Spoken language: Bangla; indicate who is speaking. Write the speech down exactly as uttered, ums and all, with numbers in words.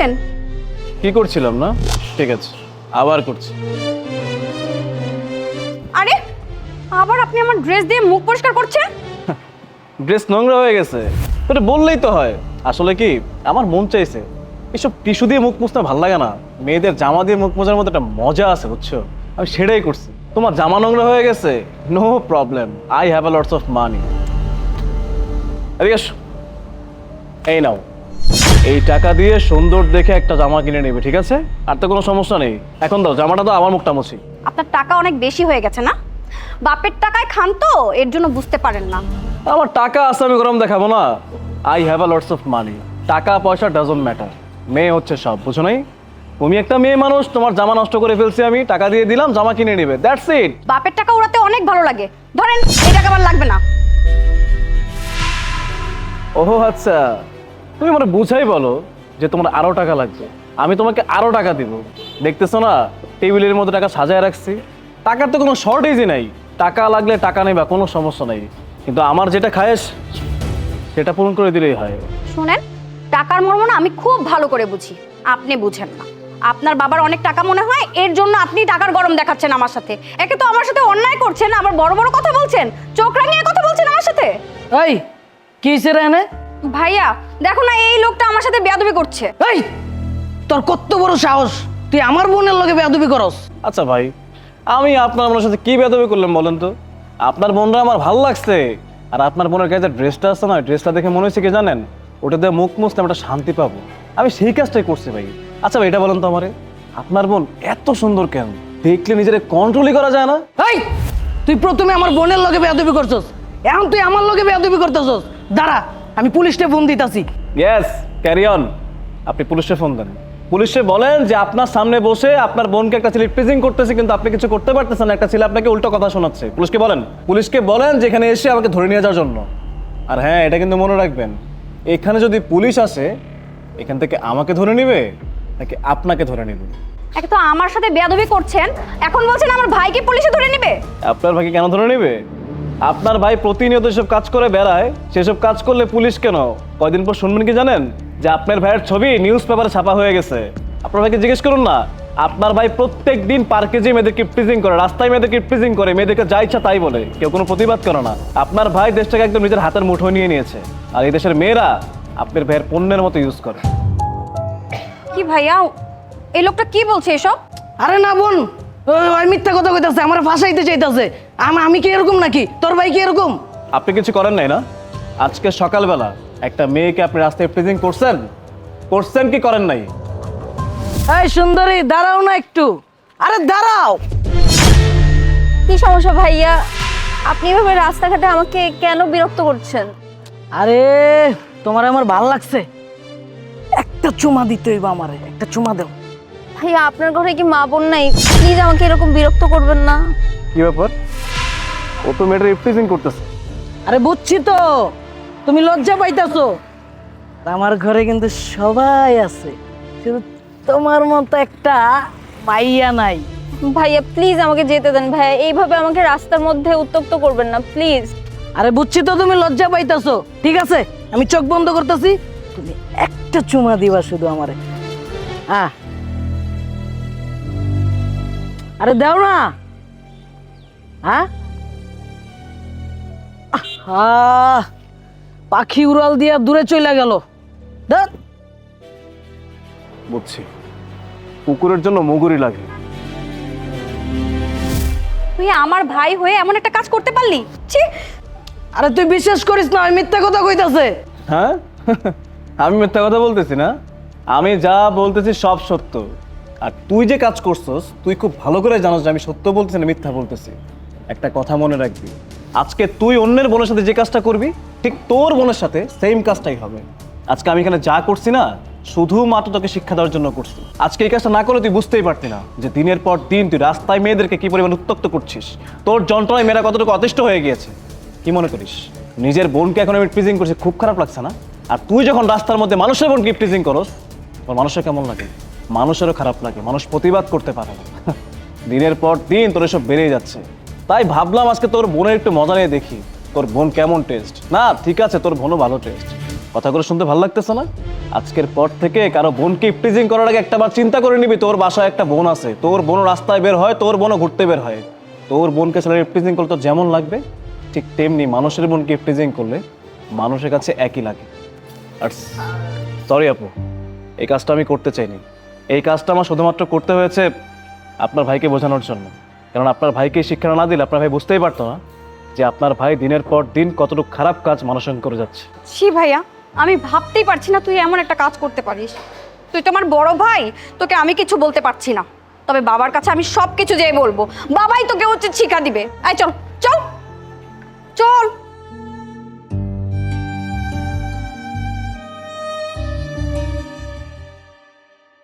Speaker 1: করছেন?
Speaker 2: কি করছিলাম না? ঠিক আছে, আবার করছি।
Speaker 1: আরে আবার আপনি আমার ড্রেস দিয়ে মুখ পরিষ্কার করছেন?
Speaker 2: ড্রেস নোংরা হয়ে গেছে, এটা বললেই তো হয়। আসলে কি, আমার মন চাইছে। এসব টিস্যু দিয়ে মুখ মুছতে ভালো লাগে না, মেয়েদের জামা দিয়ে মুখ মোছার মতো একটা মজা আছে, বুঝছো? আমি সেটাই করছি। তোমার জামা নোংরা হয়ে গেছে, no problem, I have a lots of money. এই নাও, এই টাকা দিয়ে সুন্দর দেখে একটা জামা কিনে নেবে, ঠিক আছে? আর তো কোনো সমস্যা নেই। এখন দাও জামাটা, তো আমার মুখটা মুছি।
Speaker 1: আপনার টাকা অনেক বেশি হয়ে গেছে না? বাপের টাকায় খান তো, এর জন্য বুঝতে পারেন না।
Speaker 2: আমার টাকা আছে, আমি গরম দেখাবো না? I have a lots of money. টাকা পয়সা ডাজন্ট ম্যাটার, মেয়ে হচ্ছে সব, বুঝো নাই? তুমি একটা মেয়ে মানুষ, তোমার জামা নষ্ট করে ফেলছি আমি, টাকা দিয়ে দিলাম, জামা কিনে নেবে, দ্যাটস ইট।
Speaker 1: বাপের টাকা উড়াতে অনেক ভালো লাগে, ধরেন এই টাকা আমার লাগবে না।
Speaker 2: ওহো আচ্ছা, তুমি মানে বুঝাই বলো যে তোমার আরো টাকা লাগবে, আমি তোমাকে আরো টাকা দিব। দেখতেছো না টেবিলের মধ্যে টাকা সাজায় রাখছি, টাকার তো কোনো শর্টেজই নাই। টাকা লাগলে টাকা নেবা, কোনো সমস্যা নাই, কিন্তু আমার যেটা খায়েশ সেটা পূরণ করে দিলেই হয়।
Speaker 1: শুনেন, টাকার মর্ম না আমি খুব ভালো করে বুঝি, আপনি বুঝেন না। আপনার বাবার অনেক টাকা মনে হয়, এর জন্য আপনি টাকার গরম দেখাচ্ছেন আমার সাথে। একে তো আমার সাথে অন্যায় করছেন, আবার বড় বড় কথা বলছেন, চোখ রাঙিয়ে কথা বলছেন আমার সাথে।
Speaker 3: এই কি হইছে রে এনে?
Speaker 1: ভাইয়া দেখো না, এই লোকটা আমার সাথে বেয়াদবি করছে।
Speaker 3: এই তোর কত বড় সাহস, তুই আমার বোনের লগে বেয়াদবি করস?
Speaker 2: আচ্ছা ভাই, আমি আপনার বোনের সাথে কি বেয়াদবি করলাম বলেন তো? আপনার বোনরা আমার ভালো লাগছে, আর আপনার বোনের গায়ে যে ড্রেসটা আছে না, ড্রেসটা দেখে মনে হয়েছে কি জানেন, ওটা দিয়ে মুখ মুছতে আমরা শান্তি পাবো, আমি সেই কাজটাই করছি ভাই। আচ্ছা ভাই, এটা বলেন তো আমারে, আপনার বোন এত সুন্দর কেন? দেখলে নিজের কন্ট্রোলই করা যায় না?
Speaker 3: এই তুই প্রথমে আমার বোনের লগে বেয়াদবি করছস, এখন তুই আমার লগে বেয়াদবি করতেছস। দাঁড়া, আমি পুলিশে ফোন দিতাছি।
Speaker 2: Yes, carry on. আপনি পুলিশে ফোন দেন, পুলিশে বলেন যে আপনার সামনে বসে আপনার বোনকে একটা ছেলে প্রেজেন্ট করতেছে, কিন্তু আপনি কিছু করতে পারতেছেন না, একটা ছেলে আপনাকে উল্টো কথা শোনাচ্ছে। পুলিশকে বলেন, পুলিশকে বলেন যে এখানে এসে আমাকে ধরে নিয়ে যাওয়ার জন্য। আর হ্যাঁ, এটা কিন্তু মনে রাখবেন, এখানে যদি পুলিশ আসে, এখান থেকে আমাকে ধরে নেবে নাকি আপনাকে ধরে নেবে?
Speaker 1: একে তো আমার সাথে বেয়াদবি করছেন, এখন বলছেন আমার ভাইকে পুলিশে ধরে নেবে।
Speaker 2: আপনার ভাইকে কেন ধরে নেবে? আপনার ভাই প্রতিনিয়ত এসব কাজ করে বেড়ায়, সেসব কাজ করলে পুলিশ কেন? কয়দিন পর শুনবেন কি জানেন, যে আপনার ভাইয়ের ছবি নিউজ পেপারে ছাপা হয়ে গেছে। আপনার ভাইকে জিজ্ঞেস করুন না, আপনার ভাই প্রত্যেক দিন পার্কে যে মেয়েদেরকে প্রিজিং করে, রাস্তায় মেয়েদেরকে প্রিজিং করে, মেয়েদেরকে যা ইচ্ছা তাই বলে, কেউ কোনো প্রতিবাদ করে না। আপনার ভাই দেশটাকে একদম নিজের হাতের মুঠোয় নিয়ে নিয়েছে, আর এই দেশের মেয়েরা আপনার ভাইয়ের পণ্যের মতো ইউজ করে।
Speaker 1: কি ভাইয়া, এই লোকটা কি বলছে এসব?
Speaker 3: আরে না বোন, ওই ওই মিথ্যা কথা কইতাছে, আমার ফাঁসাইতে চাইতাছে। আমি আমি কি এরকম নাকি? তোর ভাই কি এরকম?
Speaker 2: আপনি কিছু করেন নাই না? আজকে সকালবেলা একটা মেয়েকে আপনি রাস্তায় প্রেজেন্ট করছেন, করছেন কি করেন নাই?
Speaker 3: এই সুন্দরী, দাঁড়াও না একটু। আরে দাঁড়াও।
Speaker 4: কি সমস্যা ভাইয়া? আপনি এভাবে রাস্তাঘাটে আমাকে কেন বিরক্ত করছেন?
Speaker 3: আরে তোমার আমার ভাল লাগছে, একটা চুমা দিতে হইবা আমারে, একটা চুমা দাও।
Speaker 4: ভাইয়া আপনার ঘরে কি মা বোন নাই? প্লিজ আমাকে এরকম বিরক্ত করবেন না।
Speaker 2: কি ব্যাপার? ও তো মেয়েটা রিপ্রেজেন্ট করতেছে।
Speaker 3: আরে বুঝছি তো, তুমি লজ্জা পাইতাছো। আমার ঘরে কিন্তু সবাই আছে, শুধু তোমার মতো একটা মাইয়া নাই।
Speaker 4: ভাইয়া প্লিজ আমাকে যেতে দেন ভাইয়া, এইভাবে আমাকে রাস্তার মধ্যে উত্তক্ত করবেন না প্লিজ।
Speaker 3: আরে বুঝছি তো তুমি লজ্জা পাইতাছো, ঠিক আছে আমি চোখ বন্ধ করতেছি, তুমি একটা চুমা দিবা শুধু আমারে। হ্যাঁ আরে দাও না। হ্যাঁ আহ, পাখি উড়াল দিয়া দূরে চলে গেল। দেখ
Speaker 2: বুঝছি, কুকুরের জন্য মুগুরি লাগে।
Speaker 1: তুই আমার ভাই হয়ে এমন একটা কাজ করতে পারলি? ছি!
Speaker 3: আরে তুই বিশ্বাস করিস না, আমি মিথ্যা কথা কইতাছে।
Speaker 2: হ্যাঁ, আমি মিথ্যা কথা বলতেছি না, আমি যা বলতেছি সব সত্য। আর তুই যে কাজ করছস, তুই খুব ভালো করে জানোস যে আমি সত্য বলতেছি না মিথ্যা বলতেছি। একটা কথা মনে রাখবি, আজকে তুই অন্যের বোনের সাথে যে কাজটা করবি, ঠিক তোর বোনের সাথে সেম কাজটাই হবে। আজকে আমি এখানে যা করছি না, শুধুমাত্র তোকে শিক্ষা দেওয়ার জন্য করছি। আজকে এই কাজটা না করলে তুই বুঝতেই পারতি না যে দিনের পর দিন তুই রাস্তায় মেয়েদেরকে কি পরিমাণ উত্তক্ত করছিস। তোর যন্ত্রণায় মেয়েরা কতটুকু অতিষ্ঠ হয়ে গিয়েছে। কি মনে করিস নিজের বোনকে এখন আমি প্রিজিং করছি, খুব খারাপ লাগছে না? আর তুই যখন রাস্তার মধ্যে মানুষের বোনকে প্রিজিং করস, তোর মানুষের কেমন লাগে? মানুষেরও খারাপ লাগে, মানুষ প্রতিবাদ করতে পারে না। দিনের পর দিন তোর এসব বেড়েই যাচ্ছে, তাই ভাবলাম আজকে তোর বোনের একটু মজা নিয়ে দেখি তোর বোন কেমন টেস্ট। না ঠিক আছে, তোর বোনও ভালো টেস্ট, কথাগুলো শুনতে ভালো লাগতেছে না? আজকের পর থেকে কারো বোনকে ইফটিজিং করার আগে একটা বার চিন্তা করে নিবি, তোর বাসায় একটা বোন আছে, তোর বোন রাস্তায় বের হয়, তোর বোনও ঘুরতে বের হয়। তোর বোনকে ছেলের ইফটিজিং করলে তোর যেমন লাগবে, ঠিক তেমনি মানুষের বোনকে ইফটিজিং করলে মানুষের কাছে একই লাগে। আর সরি আপু, এই কাজটা আমি করতে চাইনি। এই কাজটা আমার শুধুমাত্র করতে হয়েছে আপনার ভাইকে বোঝানোর জন্য। কারণ আপনার ভাইকে শিক্ষা না দিলে আপনার ভাই বুঝতেই পারতো না যে আপনার ভাই দিনের পর দিন কতটুকু খারাপ কাজ মানুষের সঙ্গে করে যাচ্ছে।
Speaker 1: ছি ভাইয়া, আমি ভাবতেই পারছি না তুই এমন একটা কাজ করতে পারিস। তুই তো আমার বড় ভাই, তোকে আমি কিছু বলতে পারছি না, তবে বাবার কাছে আমি সব কিছু যেয়ে বলবো। বাবাই তোকে উচিত শিক্ষা দিবে। আয় চল চল চল।